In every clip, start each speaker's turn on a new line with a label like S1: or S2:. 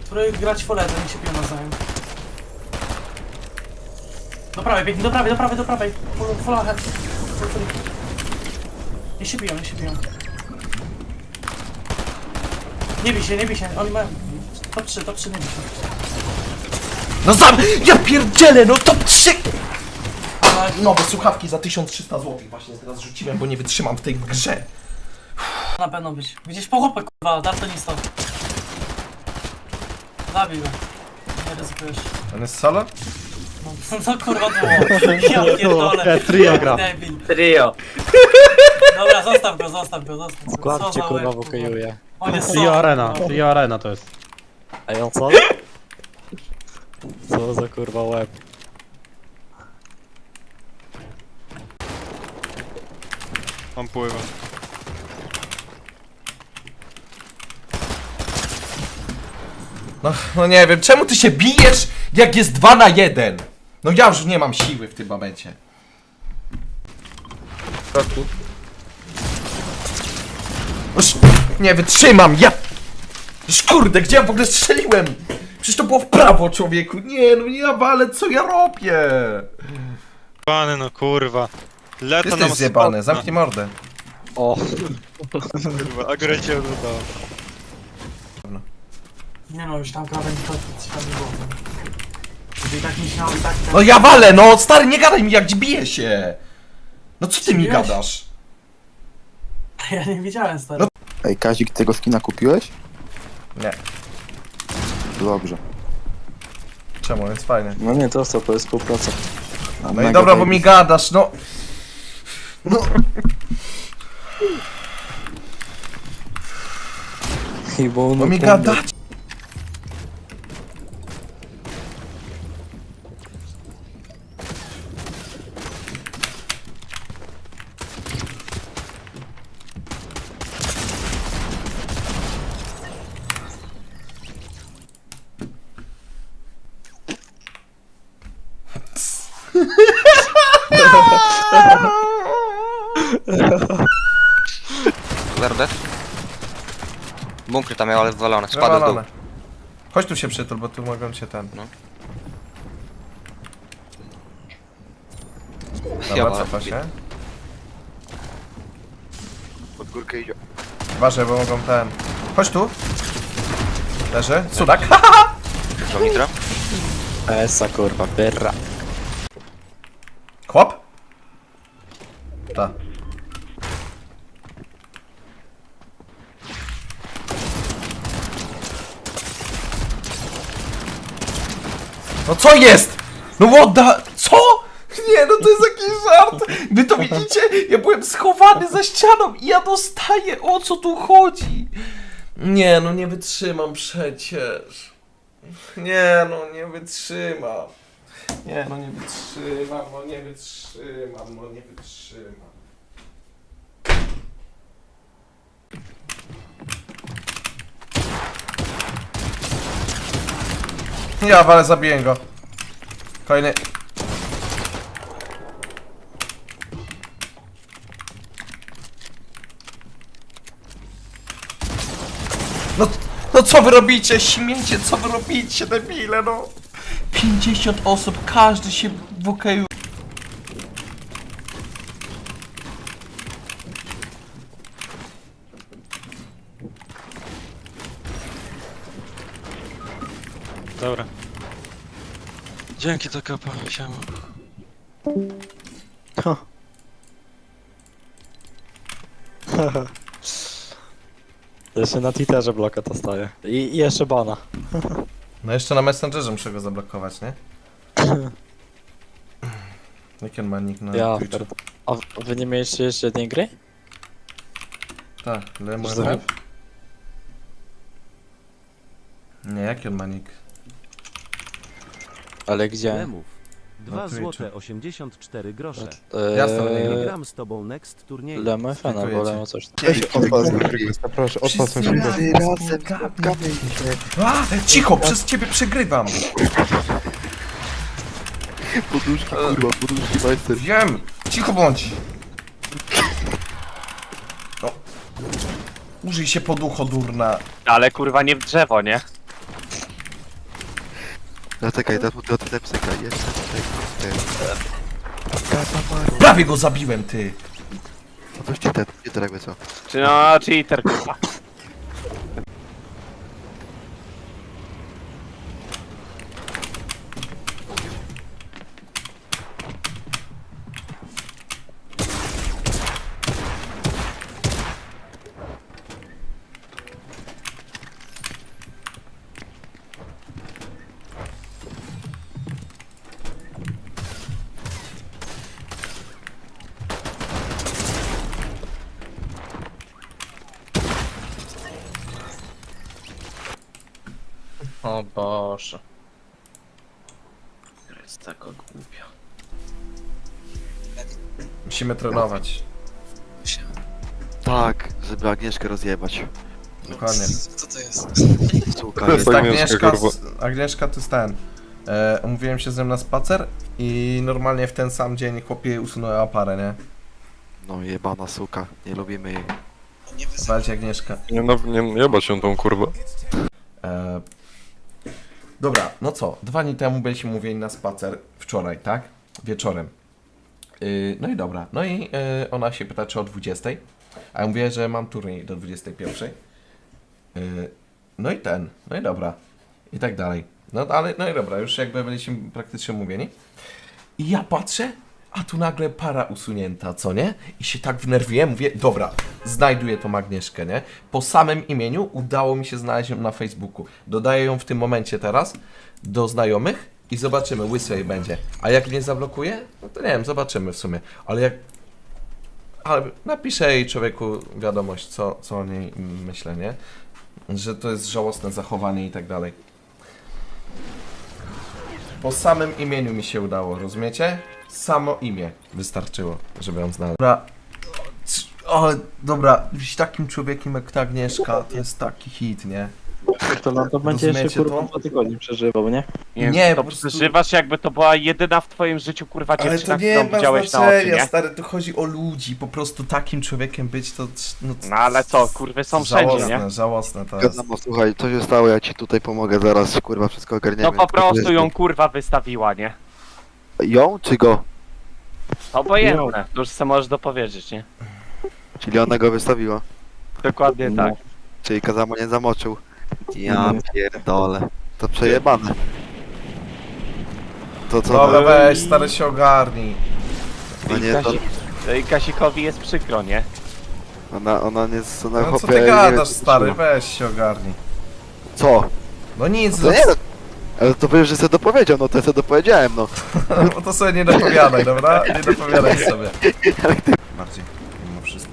S1: Spróbuj grać foletę, niech się piją nawzajem. Do prawej, biegnij, do prawej, do prawej, do prawej. Full ahead. Full. Niech się biją, niech się biją. Nie bij się, nie bij się. Oni mają... Top 3, nie bij się.
S2: No sam! Ja pierdzielę, no top 3!
S1: Ale...
S2: Nowe słuchawki za 1300 zł właśnie teraz rzuciłem, bo nie wytrzymam w tej grze.
S1: Na pewno być. Gdzieś po chłopę, kurwa, daltonista. Zabij go. Nie ryzykujesz.
S2: On jest solo?
S1: No kurwa było. Ja pierdolę.
S3: Trio gra.
S1: Debil.
S4: Trio.
S1: Dobra, zostaw go. Co
S3: Składcie
S1: za
S3: kurwa
S1: łeb,
S3: wokajuje.
S1: On jest
S3: Trio
S1: solo.
S3: Arena, Trio Arena to jest.
S5: Ej, on co? Co za kurwa łeb.
S6: On pływa.
S2: No nie wiem, czemu ty się bijesz, jak jest 2 na 1? No ja już nie mam siły w tym momencie. Już nie wytrzymam, ja... Już kurde, gdzie ja w ogóle strzeliłem? Przecież to było w prawo, człowieku. Nie, no ja walę, co ja robię?
S6: Pany no kurwa. Leta
S2: Jesteś
S6: nam
S2: zjebany, zamknij mordę.
S5: O,
S6: Kurwa, akurat cię odrzucało.
S1: Nie no, już tam krawędź to ciekawe było. Gdyby i tak myślał i tak...
S2: No ja walę, no stary, nie gadaj mi jak biję się. No co ty mi
S1: Zbiłeś?
S2: gadasz?
S1: Ja nie widziałem, stary.
S7: Ej, Kazik, tego skina kupiłeś?
S2: Nie,
S7: Dobrze.
S2: czemu, jest fajnie.
S7: No nie, to co, to jest współpraca.
S2: No i dobra, bo mi gadasz, no. No. Bo mi gadasz.
S4: Werdet. Bunkry tam miał, ale wywalone. Spadł w dół.
S2: Wywalone. Chodź tu się przytul, bo tu mogą cię ten.
S4: No.
S2: Dobra, cofa się.
S4: Pod górkę idzie.
S2: Uważaj, bo mogą ten. Chodź tu. Leży. Sudak.
S4: Wziął nitro.
S5: esa kurwa, perra.
S2: Chłop? Ta. No co jest? No what the... Co? Nie, no to jest jakiś żart. Wy to widzicie? Ja byłem schowany za ścianą i ja dostaję. O co tu chodzi? Nie, no nie wytrzymam przecież. Nie, no nie wytrzymam. Nie, no nie wytrzymam, no nie wytrzymam, no nie wytrzymam. Ja, ale zabiję go. Kolejny. No co wy robicie? Śmiecie, co wy robicie, debile, no. 50 osób, każdy się wokaju.
S6: Dobra. Dzięki to kapa, siema.
S5: Jeszcze na Twitterze bloka to staje. I jeszcze bana.
S2: No jeszcze na Messengerze muszę go zablokować, nie? Jaki on ma nick na
S5: Ja
S2: Twitchu?
S5: pierd... A wy nie mieliście jeszcze jednej gry?
S2: Tak, Lemon
S5: Że-
S2: Rap? Nie, jaki on ma nick?
S5: Ale gdzie?
S8: Lemów. 2
S2: Na Twitchu.
S8: złote 84 grosze.
S2: Jasne, nie
S8: Nie
S2: gram.
S8: gram z tobą next turnieju.
S5: Lemo FN albo
S2: Dziękuję ci.
S5: Lemo coś tam.
S7: Proszę,
S2: Wszyscy razem A, cicho, przez ciebie przegrywam.
S7: Poduszki, kurwa, poduszki, majster.
S2: Wiem, cicho bądź. No. Użyj się poducho, durna.
S4: Ale kurwa nie w drzewo, nie?
S7: Zaczekaj, dotknę psyka. Jeszcze tutaj.
S2: Prawie go zabiłem, ty!
S7: No to ci ten, nie to jakby co.
S3: Czy no, cheater, kurwa.
S5: O Boże. Jest taka głupia.
S2: Musimy trenować.
S7: Tak, żeby Agnieszkę rozjebać.
S2: Dokładnie.
S5: Co to jest?
S7: Suka,
S2: To jest
S7: jest
S2: Agnieszka, Agnieszka to jest ten. Umówiłem się z nią na spacer i normalnie w ten sam dzień chłopie usunęła parę, nie?
S7: No jebana suka, nie lubimy jej.
S2: Walcie Agnieszka.
S9: Nie jebać się tą kurwę.
S2: Dobra, no co? 2 dni temu byliśmy umówieni na spacer. Wczoraj, tak? Wieczorem. No i dobra. No i ona się pyta, czy o 20. A ja mówię, że mam turniej do 21. No i no i dobra. I tak dalej. No ale, no i dobra, już jakby byliśmy praktycznie umówieni. I ja patrzę, a tu nagle para usunięta, co nie? I się tak wnerwiłem, mówię, dobra, znajduję tą Agnieszkę, nie? Po samym imieniu udało mi się znaleźć ją na Facebooku. Dodaję ją w tym momencie teraz do znajomych i zobaczymy, łysy jej będzie. A jak mnie zablokuje, no to nie wiem, zobaczymy w sumie. Ale jak... Ale napiszę jej człowieku wiadomość, co o niej myślę, nie? Że to jest żałosne zachowanie i tak dalej. Po samym imieniu mi się udało, rozumiecie? Samo imię wystarczyło, żeby ją znaleźć. Dobra, ale dobra, być takim człowiekiem jak ta Agnieszka, to jest taki hit, nie?
S5: To na to będzie jeszcze
S2: Rozumiecie
S5: kurwa
S2: to?
S5: 2 tygodnie przeżywał, nie?
S2: Nie,
S3: to
S2: po prostu-
S3: przeżywasz jakby to była jedyna w twoim życiu, kurwa,
S2: Ale to
S3: dziewczyna,
S2: nie
S3: którą
S2: ma
S3: widziałeś na oczy,
S2: znaczenia,
S3: nie?
S2: stary, to chodzi o ludzi, po prostu takim człowiekiem być to...
S3: No ale co, kurwy są wszędzie, nie?
S2: Żałosne to jest.
S7: Wiadomo, słuchaj, co się stało, ja ci tutaj pomogę zaraz, kurwa, wszystko ogarniemy.
S3: No po prostu ją, kurwa, wystawiła, nie?
S7: Ją czy go?
S3: Obojętne, to już se możesz dopowiedzieć, nie?
S7: Czyli ona go wystawiła.
S3: Dokładnie tak.
S7: Czyli Kazama nie zamoczył. Ja pierdolę. To przejebane. To co?
S2: Dobra, weź, stary, się ogarnij.
S7: No nie, to
S3: I Kasikowi jest przykro, nie?
S7: ona nie... Ona
S2: No co
S7: chłopie,
S2: ty
S7: nie
S2: gadasz,
S7: wiem,
S2: stary, weź się ogarnij.
S7: Co?
S2: No nic,
S7: To nie, no. Ale to powiesz, że sobie dopowiedział, no to ja sobie dopowiedziałem, no.
S2: bo to sobie nie dopowiadaj, dobra? Nie dopowiadaj sobie. Bardziej, mimo wszystko.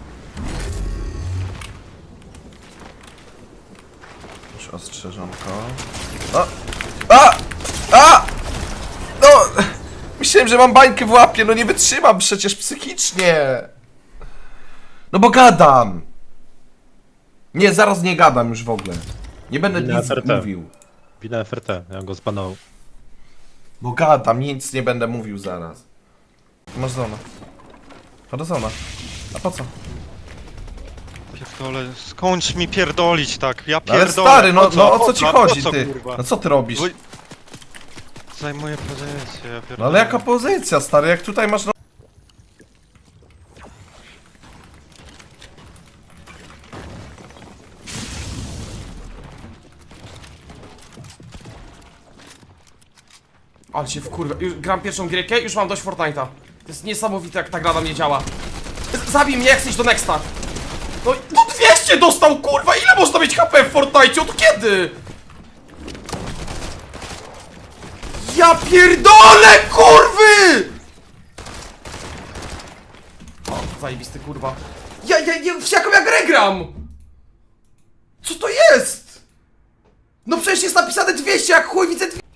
S2: Już ostrzeżonko. O! A! No! Myślałem, że mam bańkę w łapie, no nie wytrzymam przecież psychicznie! No bo gadam! Nie, zaraz nie gadam już w ogóle. Nie będę
S10: Wina
S2: nic
S10: FRT.
S2: mówił.
S10: Wina FRT, ja go zbanował.
S2: Bo gadam, nic nie będę mówił zaraz. Masz zona. Chodź zona. A po co?
S6: Pierdolę, skończ mi pierdolić tak, ja
S2: No ale
S6: pierdolę.
S2: stary, no,
S6: Po co?
S2: no o co ci
S6: A
S2: chodzi,
S6: po co,
S2: ty?
S6: kurwa?
S2: No co ty robisz?
S6: Bo- Zajmuję pozycję, ja pierdolę.
S2: No ale jaka pozycja, stary, jak tutaj masz no...
S11: Ale się wkurwę. Już gram pierwszą gierkę, już mam dość Fortnite'a. To jest niesamowite, jak ta gra na mnie działa. Zabij mnie, jak chcesz do Nexta. No 200 dostał, kurwa! Ile można mieć HP w Fortnite? Od kiedy? Ja pierdolę, kurwy! O, zajebisty, kurwa. W jaką ja grę gram? Co to jest? No przecież jest napisane 200, jak chuj widzę 200.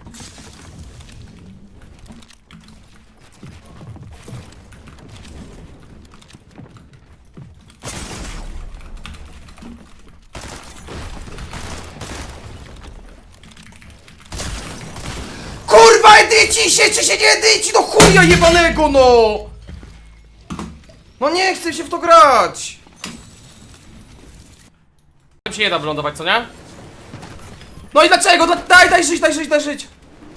S11: Kurwa, edyci się, czy się nie edyci, no chuja jebanego, no! No nie chcę się w to grać! Tam się nie da wylądować, co nie? No i dlaczego? Daj żyć, daj żyć, daj żyć!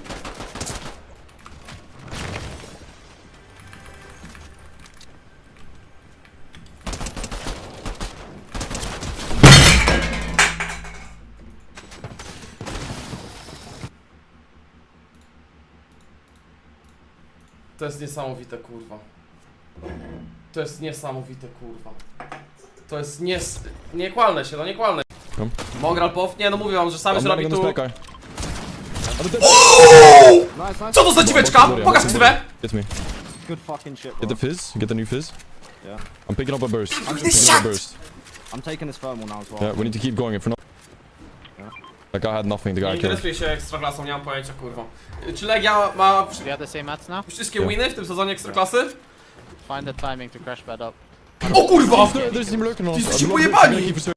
S11: To jest niesamowite, kurwa. To jest niesamowite, kurwa. To jest nie kłalnę się, no nie kłalnę. Mogral pow? Nie, no mówię wam, że sam już robi tu... Co to za dziweczka? Pokaż ksywę!
S10: Get me.
S5: Good fucking shit,
S10: Get the fizz. Get the new fizz.
S5: Yeah.
S10: I'm picking up a burst.
S11: this
S10: Picking up
S11: shot!
S10: a burst.
S5: I'm taking this thermal now as well.
S10: Yeah, we need to keep going. If we're not, that guy had nothing. The
S11: Nie
S10: guy killed.
S11: interesuję się Ekstraklasą, nie mam pojęcia, kurwa. Czy Legia ma wszystkie winy w tym sezonie Ekstraklasy?
S3: Find the timing to crash bed up.
S11: O kurwa!
S10: There's team lurking on us.
S11: Jesteście
S10: I'm
S11: pojebani!
S10: gonna keep pursuing.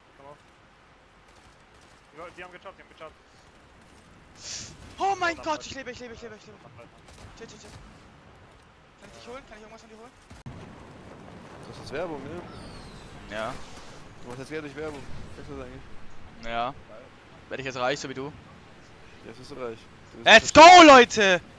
S6: Oh mein Gott, ich lebe. Chill. Kann ich dich holen? Kann ich irgendwas von dir holen?
S7: Das ist Werbung, ne?
S6: Ja.
S7: Du machst jetzt Geld durch Werbung. Weißt du das eigentlich?
S6: Ja. Werde ich jetzt reich, so wie du?
S7: Jetzt bist du reich.
S6: Let's go, Leute!